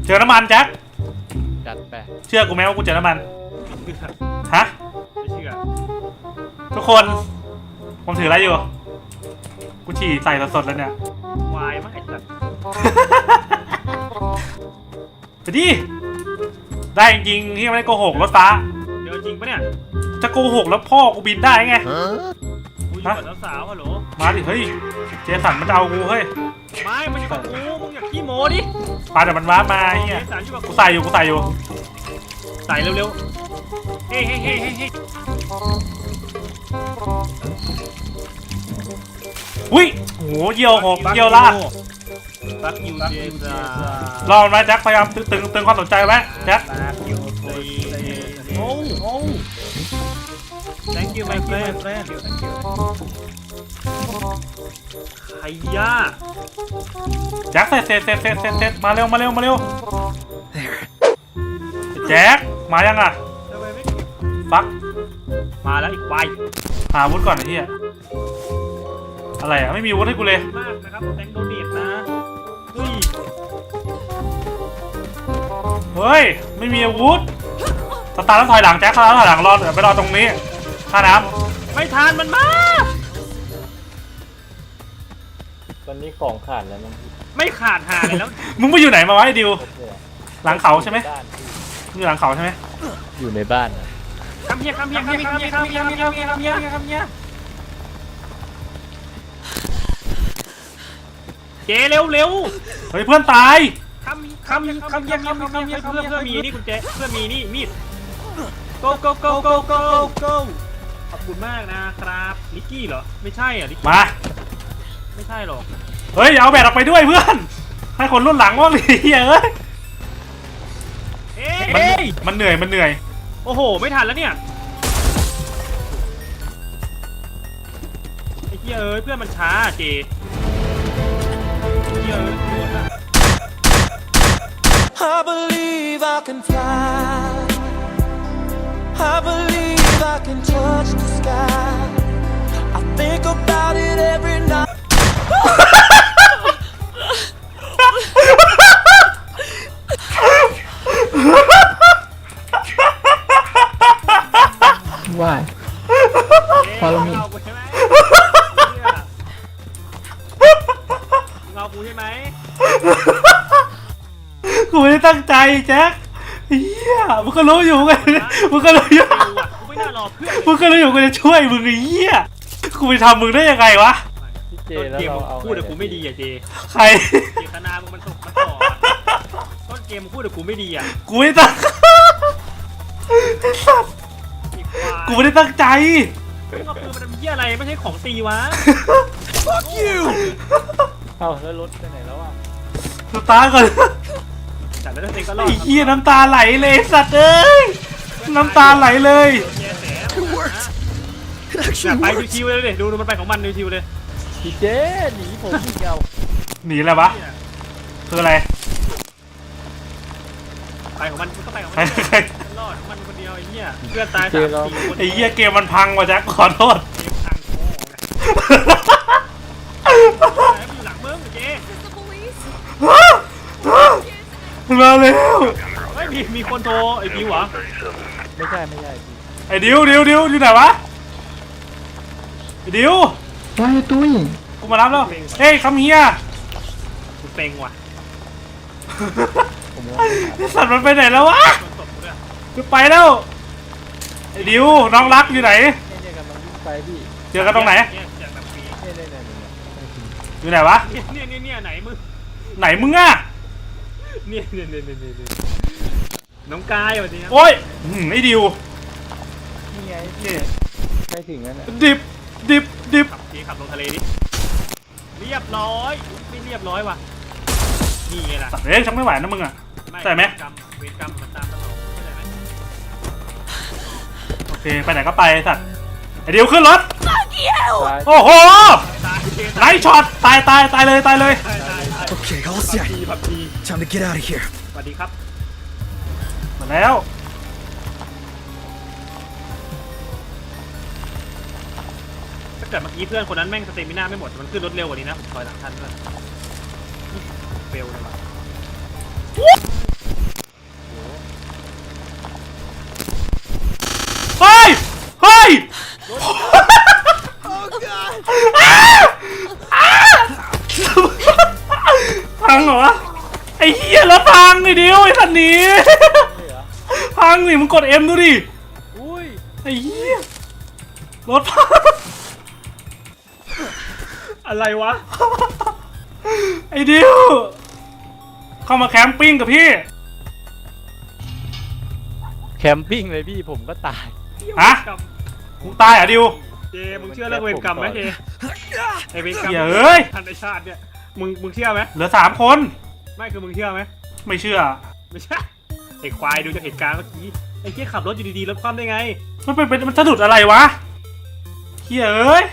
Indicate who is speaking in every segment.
Speaker 1: เจอน้ำมันแจ็ค
Speaker 2: จัดไป
Speaker 1: เชื่อกูไหมว่ากูเจอน้ำมันฮะ
Speaker 3: ไม่เชื่อ
Speaker 1: ทุกคนผมถืออะไรอยู่กูฉี่ใส่สดๆแล้วเนี่ยว
Speaker 3: ายมากไอ้สัตว์
Speaker 1: ไปดิได้จริงๆที่ไม่ได้โกหกรถฟ้า
Speaker 3: เดี๋ยวจริงปะเนี่ย
Speaker 1: จะโกหกแล้วพ่อกูบินได้ไง
Speaker 3: กูอยู่กับสาวฮัลโหล
Speaker 1: มาดิเฮ้ยเจสันมันจะเอากูเฮ้ย
Speaker 3: ไม่มันอยู่กับกูมึงอยากขี้โม้ดิ
Speaker 1: ปาแต่มันว้ามาเฮียกูใส่อยู่ใส่
Speaker 3: เร็วๆเฮ้
Speaker 1: อุ้ยโหเยี่ยวหกเยี่ยวลาก
Speaker 3: บักยูเจซ่
Speaker 1: ารอมาแจ็คพยายามตึงความสนใจไว้แจ็ค
Speaker 3: โอ้ thank you my friend ไอ้ย่า
Speaker 1: แจ็คเสร็จมาเร็วแจ็คมายังอ่ะฟัก
Speaker 3: มาแล้วอีกวาย
Speaker 1: หาอาวุธก่อนไอ้เหี้ยอะไรอ่ะไม่มีอาวุธให้กูเลย
Speaker 3: มากนะครับแตงโดเนตนะ
Speaker 1: เฮ้ยไม่มีอาวุธสตาร์ต้องถอยหลังแจ็คแล้วถอยหลังรอไปรอตรงนี้ท่าน้
Speaker 3: ำไม่ทานมันมา
Speaker 2: ตอนนี้ของขาดแล้วมั้ง
Speaker 3: ไม่ขาดหาเลยแล้ว
Speaker 1: มึงไปอยู่ไหนมาวะไอ้ดิวหลังเขาใช่ไหมอยู่หลังเขาใช่ไหม
Speaker 2: อยู่ในบ้าน
Speaker 3: คำเฮียเจเร็ว
Speaker 1: เฮ้ยเพื่อนตาย
Speaker 3: คำเพื่อนมีนี่คุณเจเพื่อนมีนี่มีด go ขอบคุณมากนะครับลิกกี้เหรอไม่ใช่อ่ะลิกกี้
Speaker 1: มา
Speaker 3: ไม่ใช่หรอก
Speaker 1: เฮ้ยเอาแบตออกไปด้วยเพื่อนให้คนรุ่นหลังว่างดิเฮ้ยมันเหนื่อย
Speaker 3: โอ้โหไม่ทันแล้วเนี่ยไอ้เหี้ยเพื่อนมันช้าเจ
Speaker 4: I believe I can fly. I believe I can touch the sky. I think about it every night.
Speaker 2: Why? Follow me.
Speaker 3: เงากูใช่ไหม
Speaker 1: กูไม่ได้ตั้งใจแจ็คเฮียมึงก็รู้อยู่ไงมึงก็รู้อยู่
Speaker 3: กูไม่น่ารอเพื่อน
Speaker 1: มึงก็รู้อยู่กูจะช่วยมึงไอ้เฮียกูไปทำมึงได้ยังไงวะ
Speaker 2: เจแล้วเราเอา
Speaker 3: พูดแต่กูไม่ดีอ่ะเจ
Speaker 1: ใคร
Speaker 3: เจตนามึงมันตกมาต่อต้นเกมมึงพูดแต่กูไม่ดีอ่ะ
Speaker 1: กูไม่ตั้งกูไม่ได้ตั้งใจ
Speaker 3: มึงเอาปืนมันเหี้ยอะไรไม่ใช่ของตีวะ
Speaker 4: Fuck you
Speaker 2: เอาแล้วรถไปไหนแล้วอ่ะ
Speaker 1: สตาร์ก่อน
Speaker 3: จัดแล้วเองก็รอด
Speaker 1: ไอ้เหี้ยน้ำตาไหลเลยสัตว์เอ้ยน้ำตาไหลเลย
Speaker 3: ไปทิวเลยดูมันไปของมันทิวเลย
Speaker 2: พี่เจหนีผมเดียว
Speaker 1: หนีอะไรวะคืออะไร
Speaker 3: ไปของมันก็ไปของมันรอดมันคนเดียวไอ้เหี้ยเพื่อนตาย3-4 คน
Speaker 1: ไอ้เหี้ยเกมมันพังว่ะแจ็คขอโทษ
Speaker 3: อยู่หลังมึงเจ
Speaker 1: มาเร็ว
Speaker 3: มีคนโทรไอ้ดิวเหรอ
Speaker 2: ไม่ใช่
Speaker 1: ไอ้ดิวอยู่ไหนวะไอ้ดิว
Speaker 2: ว่าตุ้ย
Speaker 1: กูมารับแล้วเฮ้ยคัมเฮีย
Speaker 3: กูเต็งว่ะ
Speaker 1: สัตว์มันไปไหนแล้ววะจะไปแล้วไอ้ดิวน้องรักอยู่ไหนเจอกันตรงไหนอยู่ไหนวะ
Speaker 3: เนี่ยไหน
Speaker 1: มึงอะ
Speaker 3: เนี่ยน้องกายวันนี้
Speaker 1: โอ้ยไอ้ดิว
Speaker 2: นี่ไงใกล้ถึงแล้วนะ
Speaker 1: ดิบ
Speaker 3: ขับลงทะเลดิเรียบร้อยไม่เรียบร้อยว่ะนี่ไงล่ะ
Speaker 1: เฮ้ยฉันไม่ไหวนะมึงอะใช่ไหม
Speaker 3: เวรกรรมมันตามตลอดใช่ไหม
Speaker 1: โอเคไปไหนก็ไปสัตว์ไอ้ดิวขึ้นรถโอ้โหไลท์ช็อตตายเลย
Speaker 4: Okay, all set. Time to get out of here.
Speaker 3: สวัสดีครับ
Speaker 1: มาแล้ว
Speaker 3: ถ้าเกิดเมื่อกี้เพื่อนคนนั้นแม่งสเตมิน่าไม่หมดมันขึ้นรถเร็วกว่านี้นะผมคอยหลังท่านด้วยเฟลเลยว่ะ
Speaker 1: พังเหรอวะไอ้เหี้ยรถพังไอ้เดียวไอ้สันนี้พังสิมึงกด M ดูดิ
Speaker 2: อุ้ย
Speaker 1: ไอ้เหี้ยรถพัง
Speaker 3: อะไรวะ
Speaker 1: ไอ้ดิวเข้ามาแคมปิ้งกับพี่
Speaker 2: แคมปิ้งเลยพี่ผมก็ตาย
Speaker 1: ฮะมึงตายเหรอดิว
Speaker 3: เจมึงเชื่อเรื่องเวรกรรมไหมเจไอเวรกรรม
Speaker 1: เฮ้ย
Speaker 3: ทันในชาติเนี่ยมึงเชื่อไหม
Speaker 1: เหลือ3 คน
Speaker 3: ไม่คือมึงเชื่อไหม
Speaker 1: ไม่เชื่อ
Speaker 3: ไม่ใช่ไอควายดูจากเหตุการณ์เมื่อกี้ไอ้เจ๊ขับรถอยู่ดีๆรถคว่ำได้ไง
Speaker 1: มันสะดุดอะไรวะเฮ้ยเอ้ย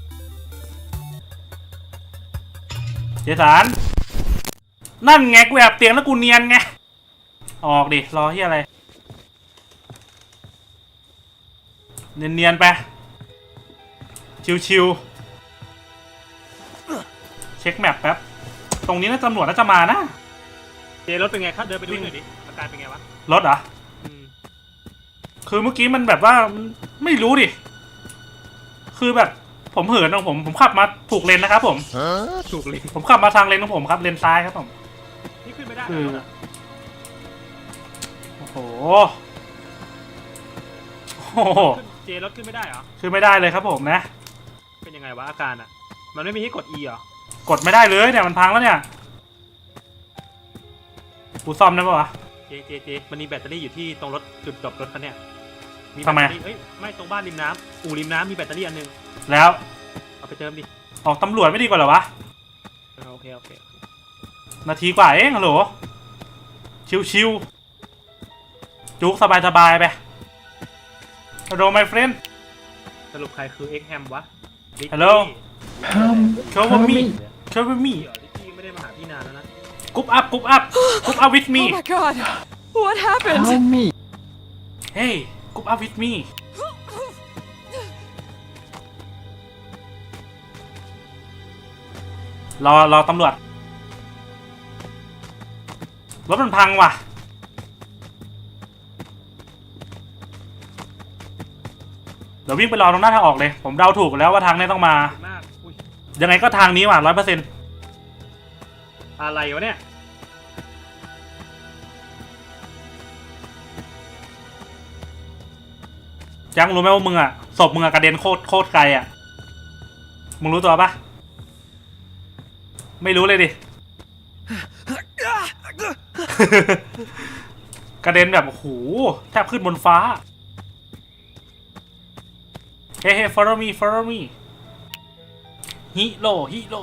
Speaker 1: เจสันนั่นไงกูแอบเตียงแล้วกูเนียนไงออกดิรอเฮียอะไรเนียนๆไปชิวๆเช็คแมปแป๊บตรงนี้น่าตำรวจน่าจะมานะ
Speaker 3: เจรถเป็นไงครับเดินไปดูหน่อยดิอาการเป็นไงวะ
Speaker 1: รถเหรอ คือเมื่อกี้มันแบบว่าไม่รู้ดิ คือแบบผมเหินของผมขับมาถูกเลนนะครับผม
Speaker 3: ถูกเลย
Speaker 1: ผมขับมาทางเลนของผมครับเลนซ้ายครับผม
Speaker 3: นี่ขึ้นไม่ได้
Speaker 1: คือ
Speaker 3: รถอะ
Speaker 1: โอ้โหโอ้โห
Speaker 3: เจรถขึ้นไม่ได้เหรอ
Speaker 1: คือไม่ได้เลยครับผมนะ
Speaker 3: เป็นยังไงวะอาการอ่ะมันไม่มีให้กด E เหรอก
Speaker 1: ดไม่ได้เลยเนี่ยมันพังแล้วเนี่ยกูซ่อมได้ปะวะ
Speaker 3: เจมันมีแบตเตอรี่อยู่ที่ตรงรถจุดจบรถคันเนี้ย
Speaker 1: ทำไม
Speaker 3: แบตเตอรี่เอ้ยไม่ตรงบ้านริมน้ำอู่ริมน้ำมีแบตเตอรี่อันนึง
Speaker 1: แล้ว
Speaker 3: เอาไปเติมดิ
Speaker 1: ออกตำรวจไม่ดีกว่าเหรอวะ
Speaker 3: โอเค
Speaker 1: นาทีกว่าเองฮัลโหลชิวๆจุกสบายๆไปฮัลโหล my friend
Speaker 3: สรุปใครคือ X Ham วะ
Speaker 1: Hello cover me
Speaker 3: เ
Speaker 1: cover me
Speaker 3: ดี๋ยวลิกกี้ไม่ได้มาหาพี่นานแล้วนะ
Speaker 1: group up with me
Speaker 5: Oh my god. What happened?
Speaker 2: Help me
Speaker 1: hey group up with me รอตำรวจรถมันพังว่ะเดี๋ยววิ่งไปรอตรงหน้าทางออกเลยผมเดาถูกแล้วว่าทางนี้ต้องมา
Speaker 3: ขอบคุณมากอุ้ย
Speaker 1: ยังไงก็ทางนี้ว่ะ100%
Speaker 3: อะไรวะเนี่ย
Speaker 1: ยังรู้ไหมว่ามึงอ่ะศพมึงอ่ะกระเด็นโคตรไกลอ่ะมึงรู้ตัวปะไม่รู้เลยดิ กระเด็นแบบโอ้โหแทบขึ้นบนฟ้า เฮ้ follow me ฮิโร่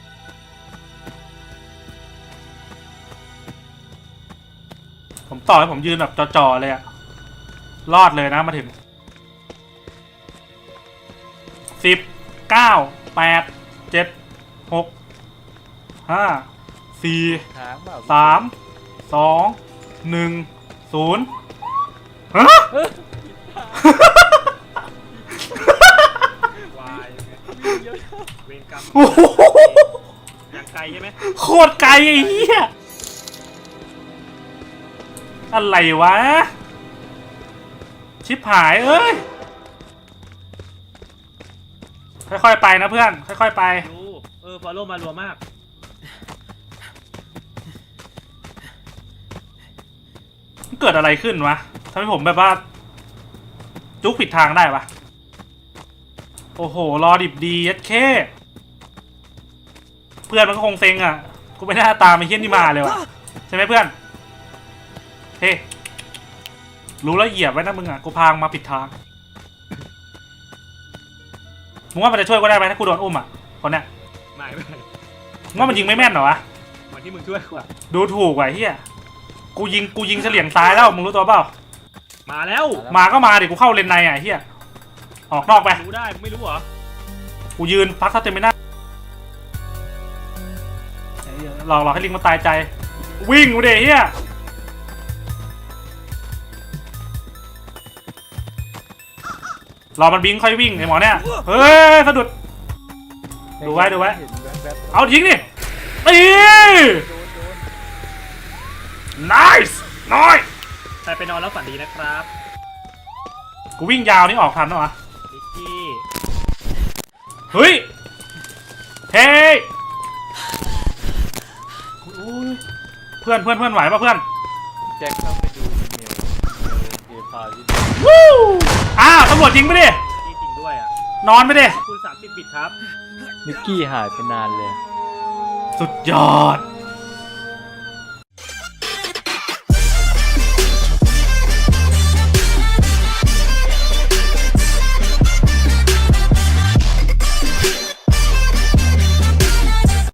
Speaker 1: ผมต่อให้ผมยืนแบบจ่อๆเลยอะรอดเลยนะมาถึง10 9 8 7 6 5 4
Speaker 2: ทางเปล่า
Speaker 1: 3 2 1 0ฮะ
Speaker 3: วายเวรกรรม
Speaker 1: โอ้โห
Speaker 3: อย่างไกลใช่ไหม
Speaker 1: โคตรไกลไอ้เหี้ยอะไรวะ ชิบหายเอ้ย ค่อยๆไปนะเพื่อน ค่อยๆไป
Speaker 3: ดูฟอลโล่มารัวมาก
Speaker 1: มันเกิดอะไรขึ้นวะทำให้ผมแบบว่า จุกผิดทางได้ปะโอ้โห รอดิบดียัดเข้เพื่อนมันก็คงเซ็งอ่ะ กูไม่น่าตามไอ้เฮี้ยนี่มาเลยวะใช่ไหมเพื่อน เฮ้ รู้แล้วเหยียบไว้นะมึงอ่ะ กูพางมาผิดทาง มึงว่ามันจะช่วยกูได้ไหมถ้ากูโดนอุ้มอ่ะ คนเนี้ย
Speaker 3: ไม่
Speaker 1: มึงว่ามันยิงไม่แม่นเหรอวะ
Speaker 3: เหมือนที่มึงช่วยกูอะ
Speaker 1: ดูถูกว่ะเฮียกูยิงเฉลี่ยงซ้ายแล้วมึงรู้ตัวเปล่า
Speaker 3: มาแล้ว
Speaker 1: มาก็มาดิกูเข้าเลนในอ่ะเฮียออกนอกไป
Speaker 3: รู้ได้มึงไม่รู้เหรอ
Speaker 1: กูยืนพักสเตมิน่ารอให้ลิงมันตายใจ วิ่งกูเดี๋ยเฮียรอมันบิงค่อยวิ่งไอ้หมอเนี่ยเฮ้ยสะดุด ดูไว้
Speaker 2: เห็นแว๊บ
Speaker 1: เอายิงดิตี nice น้อย
Speaker 3: ใครไปนอนแล้วฝันดีนะครับ
Speaker 1: กูวิ่งยาวนี่ออกทันเหรอวะ
Speaker 3: ลิกกี้
Speaker 1: เฮ้ยเฮ้ยโอ้ยเพื่อนไหวปะเพื่อน
Speaker 2: แจ็คต้องไปดูอีเมลเอพาที่
Speaker 1: วู้อ้าวตำรวจยิงไปดิ
Speaker 3: นี่จริงด้วยอ่ะ
Speaker 1: นอนไปดิ
Speaker 3: คุณ30 บิตครับ
Speaker 2: นิกกี้หายไปนานเลย
Speaker 1: สุดยอด